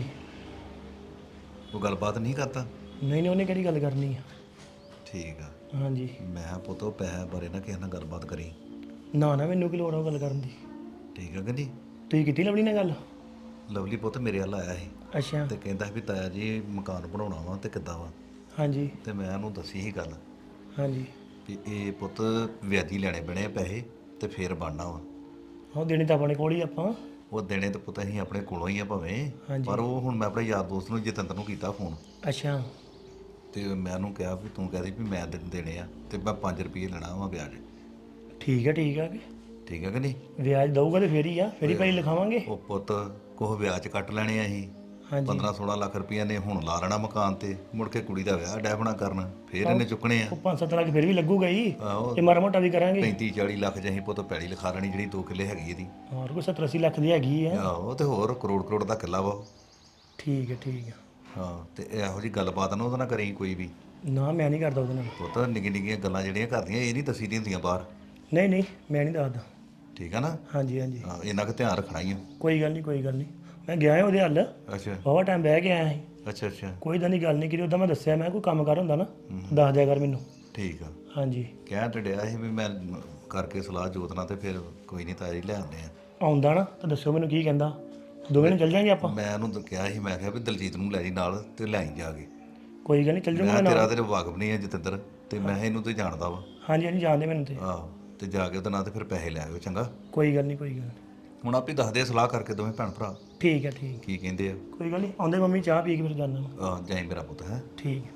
S3: ਉਹ ਗੱਲਬਾਤ ਨਹੀਂ ਕਰਦਾ?
S5: ਨਹੀਂ ਨਹੀਂ ਉਹਨੇ ਕਿਹੜੀ ਗੱਲ ਕਰਨੀ ਆ।
S3: ਠੀਕ ਆ।
S5: ਹਾਂਜੀ
S3: ਮੈਂ ਪੁੱਤ ਉਹ ਪੈਸੇ ਬਾਰੇ ਨਾ ਕਿਸੇ ਨਾਲ ਗੱਲਬਾਤ ਕਰੀ।
S5: ਨਾ ਨਾ ਮੈਨੂੰ ਕੀ ਲੋੜ ਆ ਉਹ ਗੱਲ ਕਰਨ ਦੀ।
S3: ਠੀਕ ਆ ਕਿ ਨਹੀਂ?
S5: ਤੁਸੀਂ ਕੀਤੀ ਲਵਲੀ ਨਾਲ ਗੱਲ?
S3: ਲਵਲੀ ਪੁੱਤ ਮੇਰੇ ਵੱਲ ਆਇਆ ਸੀ
S5: ਅੱਛਾ
S3: ਤੇ ਕਹਿੰਦਾ ਵੀ ਤਾਇਆ ਜੀ ਮਕਾਨ ਬਣਾਉਣਾ ਵਾ ਤੇ ਕਿੱਦਾਂ ਵਾ।
S5: ਹਾਂਜੀ
S3: ਤੇ ਮੈਂ ਉਹਨੂੰ ਦੱਸੀ ਸੀ ਗੱਲ
S5: ਹਾਂਜੀ
S3: ਵੀ ਇਹ ਪੁੱਤ ਵਿਆਜੀ ਲੈਣੇ ਪੈਣੇ ਆ ਪੈਸੇ ਤੇ ਫੇਰ ਬਣਨਾ ਵਾ।
S5: ਉਹ ਦੇਣੀ ਤਾਂ ਆਪਣੇ ਕੋਲ ਹੀ ਆਪਾਂ।
S3: ਉਹ ਦੇਣੇ ਤੇ ਪੁੱਤ ਅਸੀਂ ਆਪਣੇ ਕੋਲੋਂ ਹੀ ਆ ਭਾਵੇਂ, ਪਰ ਉਹ ਹੁਣ ਮੈਂ ਆਪਣੇ ਯਾਰ ਦੋਸਤ ਨੂੰ ਜਤਿੰਦਰ ਨੂੰ ਕੀਤਾ ਫੋਨ,
S5: ਅੱਛਾ
S3: ਤੇ ਮੈਂ ਉਹਨੂੰ ਕਿਹਾ ਵੀ ਤੂੰ ਕਹਦੀ ਵੀ ਮੈਂ ਦੇ- ਦੇਣੇ ਆ ਤੇ ਮੈਂ ਪੰਜ ਰੁਪਏ ਲੈਣਾ ਵਾ ਵਿਆਜ।
S5: ਠੀਕ ਹੈ ਠੀਕ ਹੈ ਕਿ
S3: ਠੀਕ ਹੈ ਕਿ ਨਹੀਂ?
S5: ਵਿਆਜ ਦਊਗਾ ਤੇ ਫੇਰ ਹੀ ਆ ਫੇਰ ਹੀ ਪੈਸੇ ਲਿਖਾਵਾਂਗੇ।
S3: ਉਹ ਪੁੱਤ ਕੋਹ ਵਿਆਜ ਕੱਟ ਲੈਣੇ ਆ ਅਸੀਂ
S5: ਹਾਂਜੀ
S3: ਪੰਦਰਾਂ ਸੋਲਾਂ ਲੱਖ ਰੁਪਈਆ ਨੇ ਹੁਣ ਲਾ ਲੈਣਾ ਮਕਾਨ ਤੇ, ਮੁੜ ਕੇ ਕੁੜੀ ਦਾ ਵਿਆਹ ਡੈਬਣਾ ਕਰਨ, ਫੇਰ ਇਹਨੇ ਚੁੱਕਣੇ ਆ।
S5: ਉਹ ਪੰਜ ਸੱਤ ਲੱਖ ਫੇਰ ਵੀ ਲੱਗੂਗਾ ਹੀ,
S3: ਆਹੋ
S5: ਤੇ ਮਾੜਾ ਮੋਟਾ ਵੀ ਕਰਾਂਗੇ।
S3: ਪੈਂਤੀ ਚਾਲੀ ਲੱਖ ਚ ਅਸੀਂ ਪੁੱਤ ਪੈੜੀ ਲਿਖਾ ਲੈਣੀ ਜਿਹੜੀ ਦੋ ਕਿੱਲੇ ਹੈਗੀ ਇਹਦੀ।
S5: ਹੋਰ ਕੋਈ ਸੱਤਰ ਅੱਸੀ ਲੱਖ ਦੀ ਹੈਗੀ ਆ।
S3: ਆਹੋ ਤੇ ਹੋਰ ਕਰੋੜ ਕਰੋੜ ਦਾ ਕਿੱਲਾ ਵਾ ਉਹ।
S5: ਠੀਕ ਹੈ ਠੀਕ ਹੈ।
S3: ਹਾਂ ਤੇ ਇਹੋ ਜੀ ਗੱਲਬਾਤ ਨਾ ਉਹਦੇ ਨਾਲ ਕਰੀ ਕੋਈ ਵੀ।
S5: ਨਾ ਮੈਂ ਨਹੀਂ ਕਰਦਾ ਉਹਦੇ ਨਾਲ।
S3: ਪੁੱਤ ਨਿੱਕੀ ਨਿੱਕੀਆਂ ਗੱਲਾਂ ਜਿਹੜੀਆਂ ਕਰਦੀਆਂ ਇਹ ਨਹੀਂ ਦੱਸੀ ਦੀਆਂ ਹੁੰਦੀਆਂ ਬਾਹਰ।
S5: ਨਹੀਂ ਨਹੀਂ ਮੈਂ ਨਹੀਂ ਦੱਸਦਾ।
S3: ਠੀਕ ਆ ਨਾ?
S5: ਹਾਂਜੀ ਹਾਂਜੀ
S3: ਹਾਂ ਇੰਨਾ ਕੁ ਧਿਆਨ ਰੱਖਣਾ ਹੀ ਆ।
S5: ਕੋਈ ਗੱਲ ਨਹੀਂ ਕੋਈ ਗੱਲ ਨਹੀਂ। ਮੈਂ ਗਿਆ ਹਾਂ ਉਹਦੇ ਹੱਲ,
S3: ਅੱਛਾ
S5: ਬਾਵਾ ਟਾਈਮ ਬਹਿ ਕੇ ਆਇਆ ਸੀ।
S3: ਅੱਛਾ ਅੱਛਾ
S5: ਕੋਈ ਇਦਾਂ ਦੀ ਗੱਲ ਨਹੀਂ ਕੀਤੀ। ਉਹਦਾ ਮੈਂ ਦੱਸਿਆ ਮੈਂ ਕੋਈ ਕੰਮ ਕਰ ਹੁੰਦਾ ਨਾ ਦੱਸ ਦਿਆ ਕਰ ਮੈਨੂੰ।
S3: ਠੀਕ ਆ।
S5: ਹਾਂਜੀ
S3: ਕਹਿ ਤੇ ਡਿਆ ਸੀ ਵੀ ਮੈਂ ਕਰਕੇ ਸਲਾਹ ਜੋਤਨਾ ਤੇ ਫਿਰ ਕੋਈ ਨਹੀਂ ਤਾਜੀ ਲੈ ਆਉਂਦੇ ਆ।
S5: ਆਉਂਦਾ ਨਾ ਤਾਂ ਦੱਸਿਓ ਮੈਨੂੰ ਕੀ ਕਹਿੰਦਾ, ਦੋਵੇਂ ਨੂੰ ਚੱਲ ਜਾਾਂਗੇ ਆਪਾਂ।
S3: ਮੈਂ ਉਹਨੂੰ ਤਾਂ ਕਿਹਾ ਸੀ, ਮੈਂ ਕਿਹਾ ਵੀ ਦਲਜੀਤ ਨੂੰ ਲੈ ਜੀ ਨਾਲ ਤੇ ਲੈ ਆਈ ਜਾ ਕੇ।
S5: ਕੋਈ ਗੱਲ ਨਹੀਂ ਚੱਲ
S3: ਮੈਂ
S5: ਜਾਊਂਗਾ
S3: ਕਿਹਾ
S5: ਨਾਲ।
S3: ਤੇਰਾ ਤੇ ਵਾਕਫ ਨਹੀਂ ਹੈ ਜਤਿੰਦਰ, ਤੇ ਮੈਂ ਕਿਹਾ ਇਹਨੂੰ ਤੇ ਜਾਣਦਾ ਵਾ।
S5: ਹਾਂਜੀ ਹਾਂਜੀ ਜਾਣਦੇ ਮੈਨੂੰ ਤੇ।
S3: ਆਹੋ ਤੇ ਜਾ ਕੇ ਉਹਦੇ ਨਾਲ ਤੇ ਫਿਰ ਪੈਸੇ ਲੈ ਆਇਓ ਚੰਗਾ।
S5: ਕੋਈ ਗੱਲ ਨਹੀਂ ਕੋਈ ਗੱਲ ਨਹੀਂ।
S3: ਹੁਣ ਆਪੇ ਦੱਸਦੇ ਆ ਸਲਾਹ ਕਰਕੇ ਦੋਵੇਂ ਭੈਣ ਭਰਾ
S5: ਠੀਕ ਹੈ ਠੀਕ।
S3: ਕੀ ਕਹਿੰਦੇ ਆ।
S5: ਕੋਈ ਗੱਲ ਨਹੀਂ ਆਉਂਦੇ ਮੰਮੀ ਚਾਹ ਪੀ ਕੇ ਫਿਰ ਜਾਣਾ।
S3: ਆਹ ਜਾਈ ਮੇਰਾ ਪੁੱਤ ਹੈ।
S5: ਠੀਕ ਹੈ।